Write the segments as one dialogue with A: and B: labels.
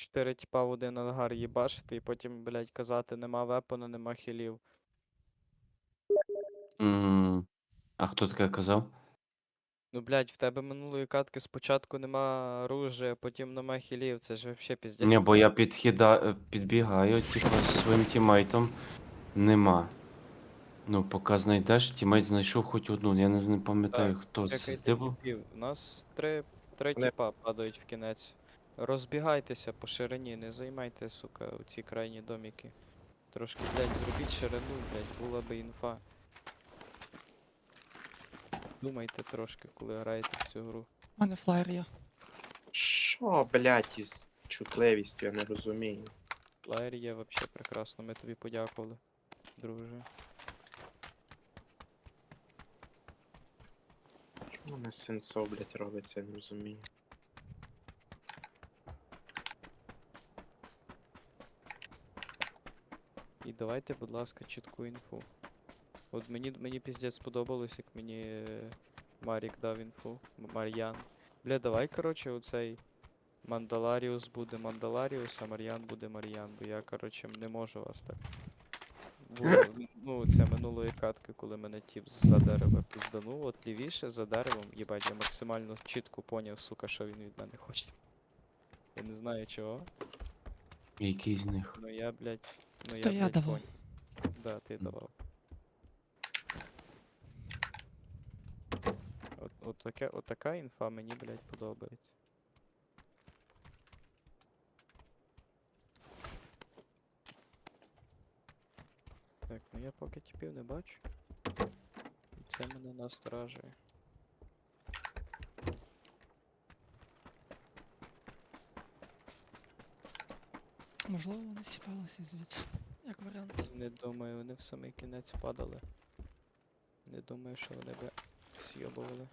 A: 4 тіпа в один ангар їбашити і потім, блядь, казати, нема вепона, нема хілів.
B: А хто таке казав?
A: Ну, блядь, в тебе минулої катки спочатку нема оружия, потім нема хілів, це ж вообще піздець.
B: Ні, бо я підбігаю, типу, з своїм тімейтом. Нема. Ну, поки знайдеш, тімейт знайшов хоч одну. Я не пам'ятаю,
A: Так,
B: хто це.
A: чекайте
B: Ти був?
A: тіпів. У нас три
C: Не.
A: тіпа падають в кінець. Розбігайтеся по ширині, не займайте, сука, оці крайні доміки. Трошки, блядь, зробіть ширину, блядь, була би інфа. Думайте трошки, коли граєте в цю гру.
D: У мене флаєр є.
C: Що, блядь, із чутливістю, я не розумію.
A: Флаєр є вообще прекрасно, ми тобі подякували, друже.
C: Чому не сенсо, блядь, робиться, я не розумію.
A: І давайте, будь ласка, чітку інфу. От мені піздець сподобалось, як мені Марік дав інфу. Мар'ян. Бля, давай, короче, оцей Мандаларіус буде Мандаларіус, а Мар'ян буде Мар'ян, бо я, короче, не можу вас так. Було, ну, це минулої катки, коли мене тіп за дерева пізданув, от лівіше за деревом, їбать, я максимально чітко поняв, сука, що він від мене хоче. Я не знаю чого,
B: Який з них?
A: но я, блядь, ну
D: То
A: я,
D: я
A: блядь,
D: давав.
A: поняв. Да, ти давав. От така інфа мені, блядь, подобається. Так, ну я поки тіпів не бачу. І це мене насторожує.
D: Можливо, вони сіпалися звідси. Як варіант.
A: Не думаю, вони в самий кінець падали. Не думаю, що вони би з'йобували.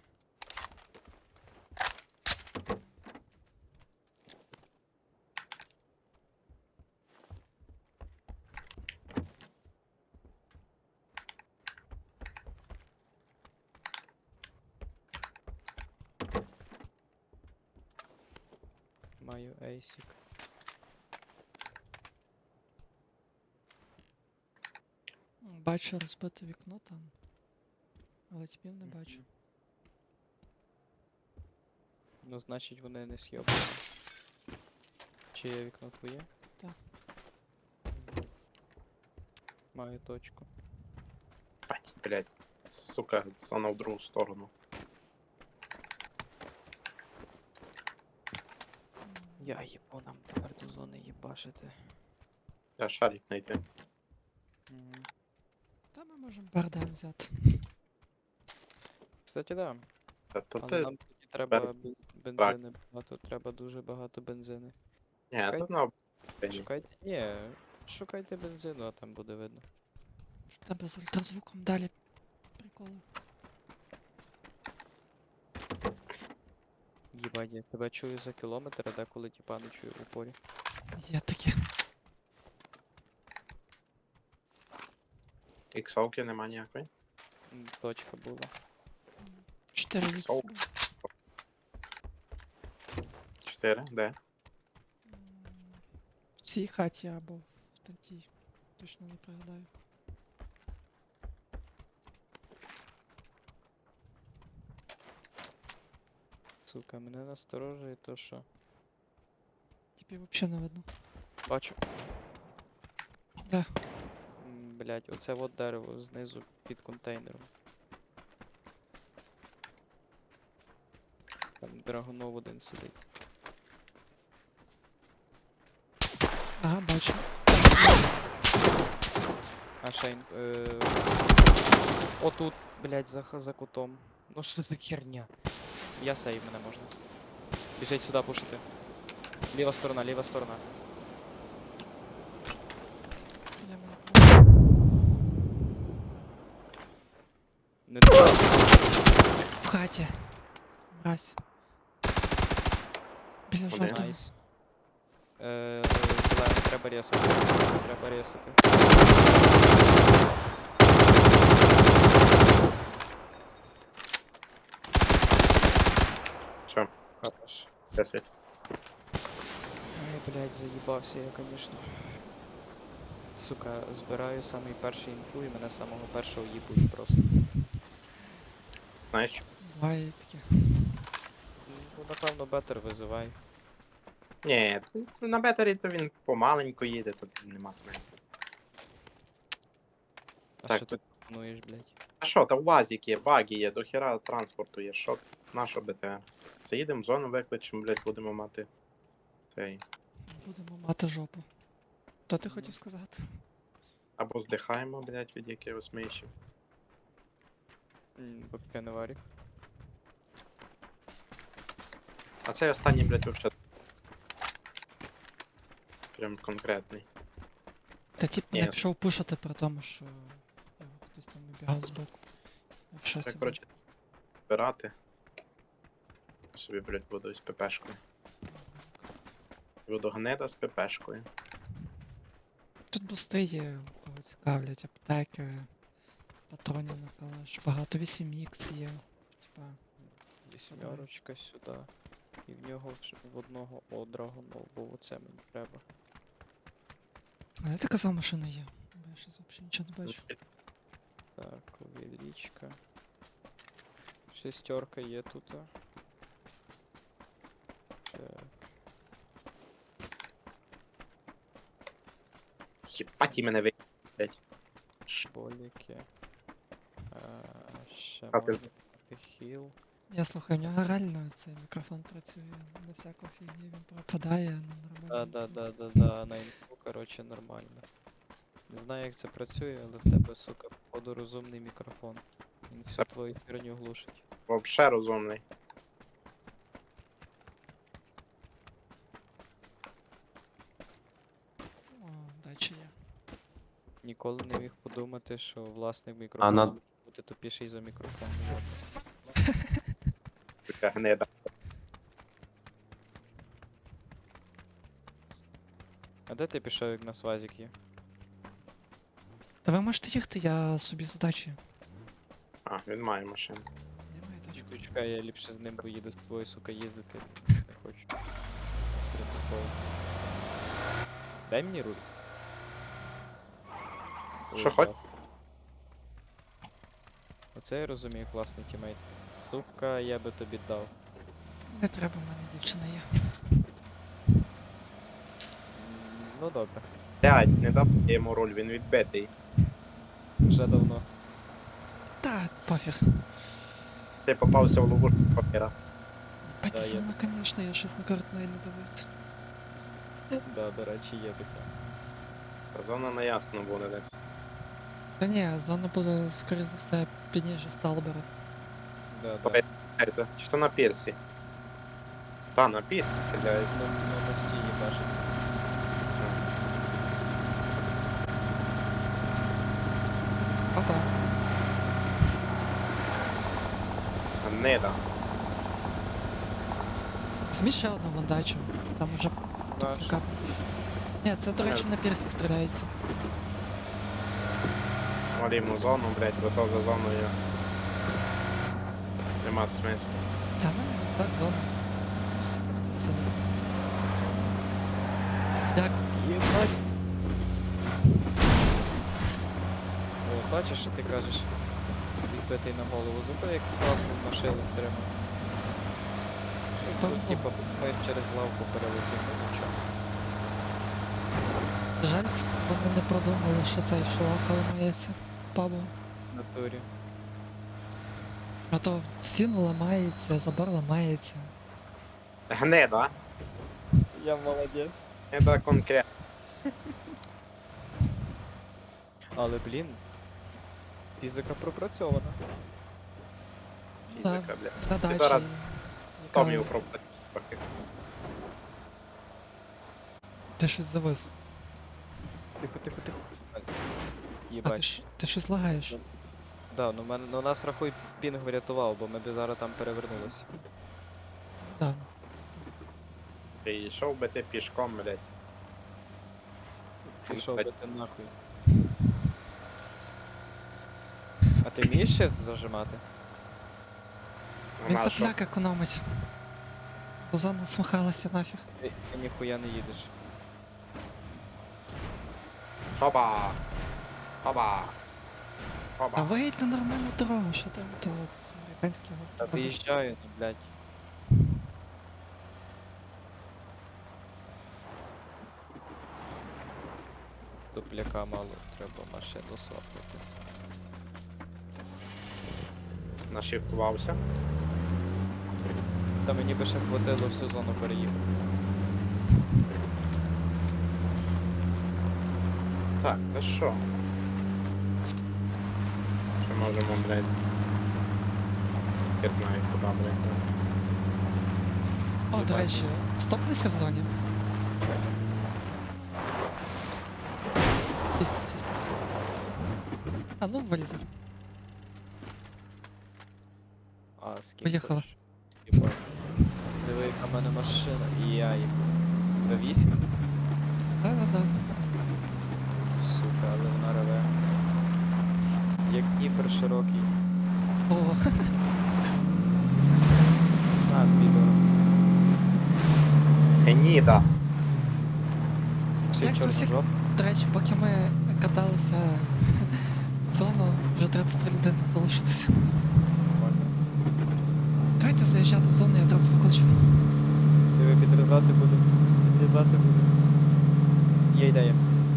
A: Маю ейсік.
D: Бачу розбите вікно там. Але тіпів не бачу.
A: Мгм. Ну, значить вони не з'йобували. Чи є вікно твоє?
D: Так.
A: Мгм. Маю точку.
C: Бать, блядь, сука, зона в другу сторону.
A: Я їбу нам тепер до зони їбашити.
C: Я шарик знайти.
A: Мгм.
D: Та ми можемо бардам взяти.
A: Кстати, да.
C: Та
A: Але
C: ти...
A: нам тоді треба бензини багато, треба дуже багато бензини.
C: Ні, то на...
A: Шукайте. Ні, шукайте бензину, а там буде видно.
D: В тебе з ультразвуком далі. Приколи.
A: Їбать, я тебе чую за кілометр, а деколи тіпа не чую в упорі.
D: Є таке.
C: Іксовки нема ніякої.
A: Точка була.
D: 4
C: Соу.
D: вікс.
C: 4, де?
D: В цій хаті або в третій. Точно не пригадаю.
A: Сука, мене насторожує то, що.
D: Тіпів взагалі не видно.
A: Бачу.
D: Де?
A: Блять, оце от дерево знизу під контейнером. Там драгунов один сидить.
D: Ага, бачу.
A: А Шейн. Отут, блять, за кутом. Ну що за херня? Я сейв, мене можна. Біжить сюди пушити. Ліва сторона, ліва сторона.
D: Біля мене.
A: Не
D: В хаті. Мразь. Біля
C: Куди?
D: жовтого.
A: Найс. Зелений, треба ресати. Треба ресати.
C: Все,
A: Хорош.
C: 10.
A: блядь, заїбався я, конечно. Сука, збираю самий перший інфу і мене самого першого їбуть просто.
C: Знаєш, що?
D: Буває таке.
A: Ну, напевно, бетер визивай.
C: Ні, на бетері то він помаленьку їде, тут нема смислу.
A: А
C: Так,
A: що ти пропонуєш, блядь?
C: А що, та УАЗик є, баги є, дохера транспорту є, що, наша БТР? Заїдемо в зону, викличемо, блядь, будемо мати цей.
D: Будемо мати жопу. То ти
A: Ну.
D: хотів сказати?
C: Або здихаємо, блядь, від якихось мишів.
A: Поки не варік.
C: А цей останній, блядь, вообще. Прям конкретний.
D: Та тип
C: Ні.
D: не пішов пушити при тому, що його хтось там вибігав збоку. Я в шоці
C: Так,
D: був.
C: коротше, збирати. Собі, блядь, буду з ППшкою. Буду гнида з ППшкою.
D: Тут бусти є, кого цікавлять, аптеки, патронів на калаш, багато 8х є. Типа,
A: Вісьмерочка сюди. І в нього в одного одрагу, бо оце мені треба.
D: а де ти казав, машина є? Бо я щось взагалі нічого не бачу.
A: Так, увеличка. Шестерка є тут. Так,
C: Єбать і мене ви... блядь.
A: боліки. Ще
C: А ти-
A: можна мати хіл.
D: Я слухаю, в нього реально цей мікрофон працює, на всяку фігню він пропадає, на нормально.
A: Да, на інфу, короче, нормально. Не знаю, як це працює, але в тебе, сука, походу розумний мікрофон. Він всю твою херню глушить.
C: Вообще розумний.
D: О, дача є.
A: Ніколи не міг подумати, що власник мікрофону
B: на-
A: може бути тупіший за мікрофон. Вот.
C: Така гнида.
A: А де ти пішов, як на свазік є?
D: Та ви можете їхати, я собі задачі.
C: А, він має машину.
D: Немає тачку.
A: Ти чекай, я ліпше з ним поїду з тобою, сука, їздити. Не хочу. Принципово. Дай мені руль.
C: Що
A: Ой,
C: хоч?
A: да. Оце я розумію, класний тімейт. Сука, я би тобі дав.
D: Не треба, в мене дівчина є.
A: Ну добре,
C: Блядь, не дав я йому руль, він відбитий.
A: вже давно.
D: Та, пофіг.
C: Ти попався в ловушку папіра.
D: Бать
A: Да, я
D: сильно, конечно, я щось на карту не дивився.
A: Да, до речі, є таке.
C: Зона на ясно буде десь.
D: Та ні, зона буде, скоріше за все, пізніше Сталбера.
A: Да,
C: Давай.
A: да.
C: Чи то на пірсі? Та, на пірсі, блядь.
A: На мості їбашиться.
D: Опа.
C: Гнида.
D: Змій ще одну вандачу. Там уже
A: Наш.
D: така. Ні, це, до речі, на пірсі стріляється.
C: Валімо зону, блядь, бо то за зоною. Нема смислу.
D: Та ну, так, зона. Це. Так,
A: Єбать! О, бачиш, що ти кажеш? Відбитий на голову. Зато як класно машину втримав.
D: Повезло.
A: Типа, ми через лавку перелетів, ну нічого.
D: жаль, вони не продумали, що цей шолака ламається в пабу.
A: В натурі.
D: А то стіну ламається, забор ламається.
C: Гнида.
A: Я молодець.
C: Гнида конкретно.
A: Але, блін, фізика пропрацьована.
C: Фізика, блядь.
D: На дачі.
C: зараз
D: яка-
C: Томів пропустив.
D: Ти щось завис.
A: Тихо.
D: А
A: Єбать.
D: ти щось лагаєш?
A: Да, ну нас рахуй пінг врятував, бо ми б зараз там перевернулися.
D: Да.
C: Ти йшов би ти пішком, блядь.
A: Пішов
C: Блядь.
A: би ти нахуй. А ти вмієш ще зажимати?
D: Він
C: Нема що.
D: топляк економить. Зона смахалася нафіг.
A: Ти ніхуя не їдеш.
C: Хоба! Хоба!
D: Та
C: Хоба!
D: виїдь на нормальну дорогу, що там то це американський
A: Та
D: год.
A: виїжджаю, ну, блядь. Дупляка мало, треба машину свапнути.
C: Нашифтувався.
A: Та мені би ще хватило всю зону переїхати.
C: Так, та що? Ще можемо, блядь. Хер знає куди, блядь.
D: О, до
C: Бачу.
D: речі, стопнися в зоні. Сість. А ну вилізай.
A: А, з ким
D: Поїхала.
A: хочеш? Єбать. Диви, яка в мене машина. І я їх. До 8?
D: Да.
A: Сука, але вона реве. Як Дніпр широкий.
D: О,
A: На, підор.
C: Геніда!
A: Ще
D: Як
A: чорна
D: досі-
A: жопа.
D: до речі, поки ми каталися в зону, вже 33 людини залишилося.
A: Нормально.
D: Давайте заїжджати в зону, я трохи викличу.
A: Диви, підрізати буду. Підрізати буду. Є ідея.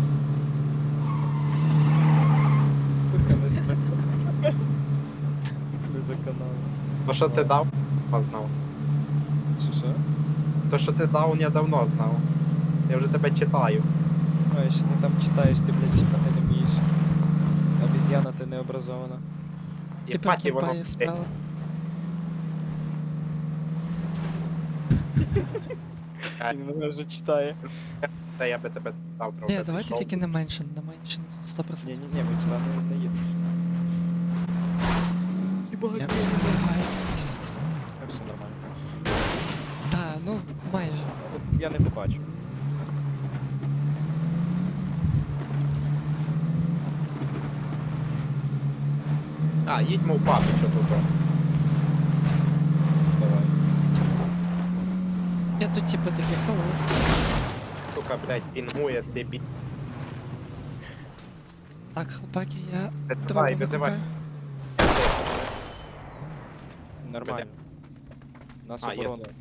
A: Сука, не спи. Не за каналом.
C: То, що ти дав, я знав.
A: Чи що?
C: То, що ти дав, я давно знав. Я вже тебе читаю.
A: Ой, що ти там читаєш, ти, блядь, читати не вмієш. Обіз'яна, ти не образована.
C: І
D: Тепер
C: паті воно.
D: тупає справа.
A: Він мене вже читає.
C: Та я би тебе дав трохи.
D: Ні, давайте
C: пішов.
D: тільки не менше 100%.
A: Ні, ми сюди не їдемо.
D: Я вибігаю.
A: Все нормально.
D: Та, ну, майже.
A: Я не побачу.
C: А, їдьмо в папі, що тут.
A: Давай.
D: Я тут типу такий халу.
C: Сука, блядь, пінгує, дебіль.
D: Так, хлопаки, я
C: Давай,
D: дорогу
C: визивай.
D: викликаю.
A: Нормально. Нас
C: А, є.
A: оборона.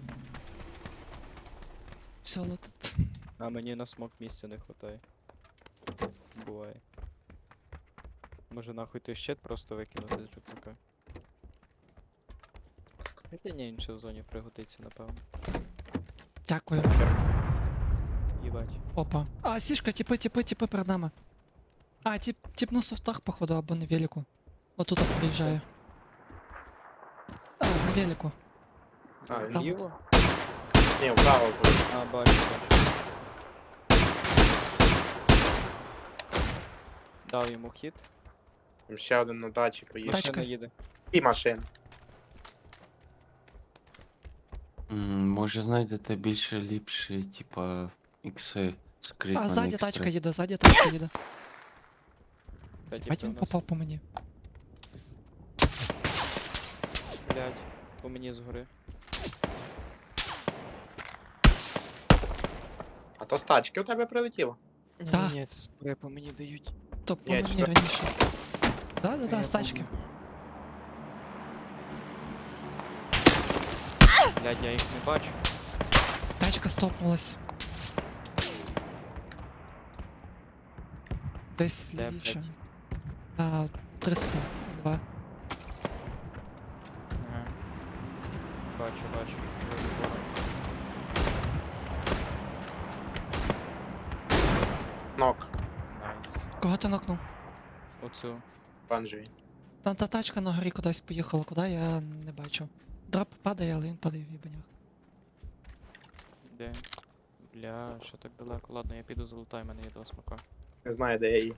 D: Все, летить.
A: А мені на смок місця не хватає. Буває. Може нахуй той щит просто викинути з рюкзака. Хоча ні, інше в зоні пригодиться, напевно.
D: Дякую.
A: Їбать.
D: Опа. А, сішка, типи перед нами. А, тип на софтах, походу, або на велику. Отут приїжджає. А, на велику.
C: А,
D: Там.
A: Ліво?
C: ні, вправо буде.
A: А, бачу. Дав йому хід.
C: Там ще один на дачі поїхав.
D: Тачка.
A: Машина їде.
C: І машин.
B: Може знайдете більше ліпші, типа, ікси скрит
D: А,
B: на
D: ззаді
B: них
D: тачка
B: стрит.
D: їде, ззаді тачка їде.
A: Та
D: Бать
A: діпи
D: він
A: у нас.
D: попав по мені.
A: Блядь, по мені згори.
C: А то з тачки у тебе прилетіло.
D: Та.
A: Ні, це спри по мені дають.
D: То по
C: Ні,
D: мені
C: що?
D: раніше. Да,
A: Я
D: з тачки.
A: Блядь, я їх не бачу.
D: Тачка стопнулась. Десь
A: Де,
D: лівіше.
A: блядь?
D: На 302.
A: Ага. Бачу. Я забору.
C: Нок.
A: Найс.
D: Кого ти нокнув?
A: Оцю.
C: Оранжевий.
D: Та тачка на горі кудись поїхала, куди я не бачу. Дроп падає, але він падає в їбанях.
A: Де? Бля, що так далеко? Ладно, я піду залутаю, мене є два смака.
C: Не знаю, де я її.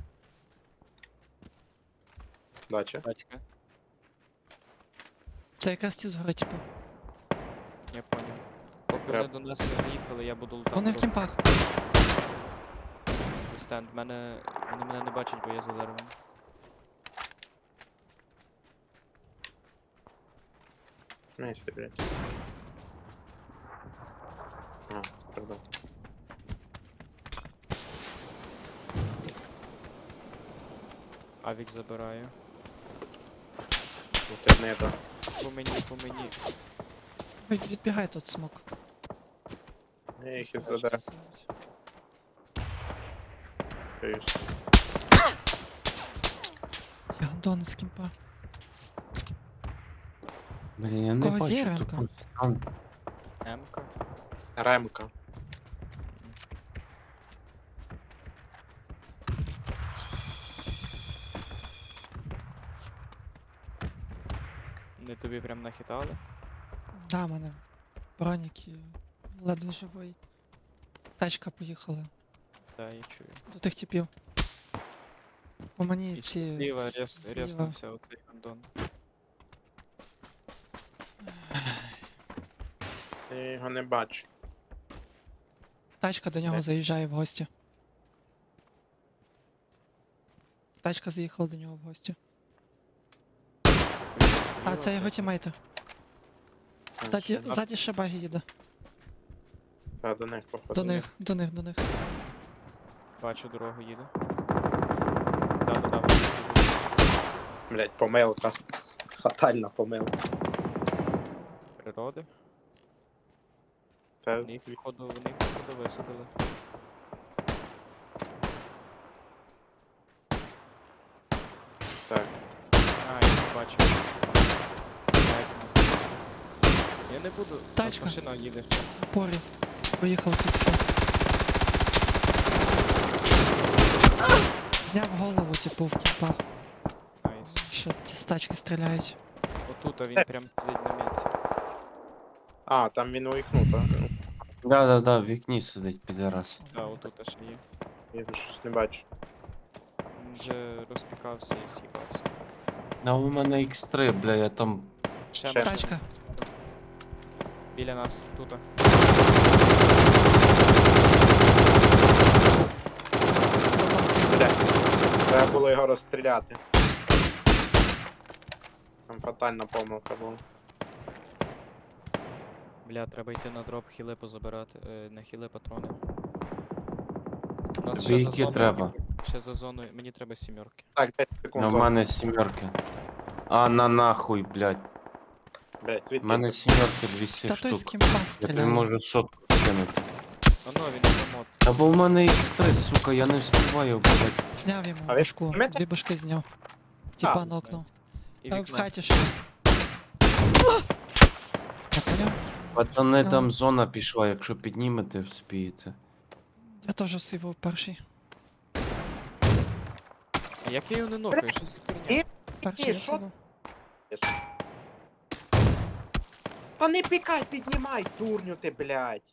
C: Дача.
A: Тачка.
D: Це якраз ті згори, типу.
A: Я понял. Поки вони
C: Треба.
A: до нас не заїхали, я буду лутати.
D: Вони в
A: просто
D: кімпах.
A: стенд. Вони мене не бачать, бо я за деревом.
C: Місце, блядь. Пардон.
A: Авік забираю.
C: Тут не до.
A: По мені, по мені.
D: Ой, відбігай тут смок.
C: Я їх із
D: Тачка
C: задер.
D: сидить. Я гандони з кімпа.
B: Блін, я не
D: Кого
B: бачу
D: зіронька?
B: тупо. Там
A: М-ка.
C: Ремка.
A: Не тобі прям нахитали?
D: Да, мене. Бронік і ледве живий. Тачка поїхала
A: Да, я чую.
D: до тих типів. По мені
A: І
D: ці.
A: зліва
D: зліва.
A: ряснувся оцей гандон.
C: Я його не бачу.
D: Тачка до нього
C: Де?
D: заїжджає в гості. Тачка заїхала до нього в гості. А,
A: Зліва,
D: це його
A: блядь.
D: тімейти.
C: Там
D: Ззаді,
C: ще нас-
D: ззаді ще баги їде.
C: Та, до них походу.
D: До них, до них, до них.
A: Бачу, дорогу їде. Да-да-да, бачу, їде.
C: Блять, помилка. Фатальна помилка.
A: Природи.
C: Та
A: Вони їх, походу, висадили.
C: так.
A: А, я не бачу. Так, ну. Я не буду. У нас
D: Тачка.
A: машина їде ще.
D: В порі. Поїхав тільки що. Зняв голову, типу, в кімпах.
A: Найс.
D: Що ці з тачки стріляють.
A: Отут а він прям сидить на місці.
C: А, там він у вікну, так?
B: Да-да-да, в вікні сидить підарас.
A: Да, отут ще є.
C: Я щось не бачу.
A: Він вже розпікався і сіпався.
B: А у мене X3, бля, я там.
A: Ще
C: Ще.
A: машина
D: Тачка.
A: біля нас, тут.
C: Блять. Треба було його розстріляти. Там фатальна помилка була.
A: Бля, треба йти на дроп, хіли позабирати. Не хіли, патрони. У нас
B: Тобі
A: ще за
B: які
A: зоною,
B: треба?
A: ще за зоною, мені треба сімерки.
C: Так, 10 секунд.
B: У мене сімерки. А на нахуй, блядь.
C: Блять,
B: У
C: звідки?
B: мене сімерки 200
D: Та той з
B: штук.
D: кімпа
B: Я тобі
D: стріляє.
B: можу шотку кинути.
A: Оно, він автомат.
B: Та бо в мене X3, сука, я не вспіваю, блядь.
D: Зняв йому
C: А ви
D: башку.
C: пам'ятаєте?
D: Дві башки зняв. Тіпа
C: А,
D: нокнув.
A: І
D: А в
A: вікно.
D: хаті ще. Я поняв?
B: Пацани,
D: Зняв.
B: там зона пішла, якщо піднімете, вспієте.
D: Я теж всі був перший.
A: А як я його не нокаю? Що за херня?
D: Перший я
C: що?
D: всі був.
C: Та не пікай, піднімай, дурню ти, блять.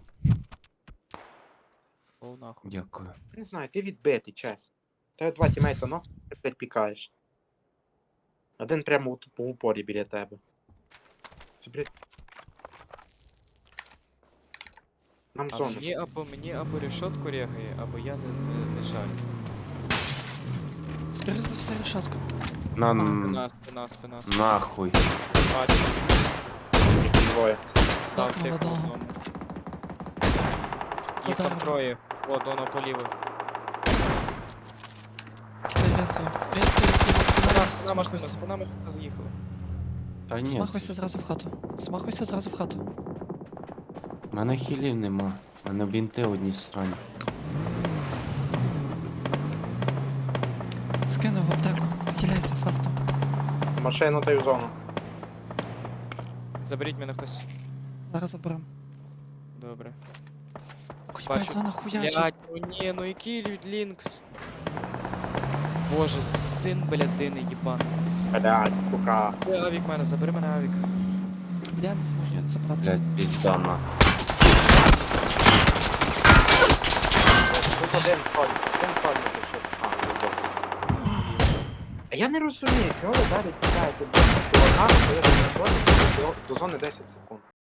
A: О, нахуй.
B: Дякую.
C: Не знаю, ти відбитий, чесно. Тебе два тімейта, ну, ти, блядь, пікаєш. Один прямо по упорі біля тебе. Це, блядь. Нам
A: А
C: зону.
A: мені або решетку рягає, або я не шарю.
D: Скоріше за все решетка.
B: На
A: Спина.
B: нахуй.
A: Бачу,
C: Їх двоє.
A: дав
D: Так,
A: тих
D: молодого.
A: одному. Їх там
D: Задав.
A: троє. О, Дона поліво.
D: Це ресую. Ресую і максимально
A: Спина машина,
D: смахуйся.
A: спина машина заїхала.
B: Та ні,
D: Смахуйся зразу в хату. Смахуйся зразу в хату.
B: в мене хілів нема. В мене бінти одні срані.
D: Скинув в аптеку. Хиляйся фастом.
C: Машину даю в зону.
A: Заберіть мене хтось.
D: Зараз заберем.
A: Добре.
D: Ой,
A: Бачу.
D: вона хуячить.
A: Блять, ну ні, ну який Лінкс. Боже, син блядини їбан.
C: Блять, кука.
A: Авік мене, забери мене авік.
D: Я не зможу забрати.
B: Блядь, пізда на.
C: Тут один сольник, якщо. А, не здохне. А я не розумію, чого ви далі пікаєте, блядь, чувака, що я до зони 10 секунд.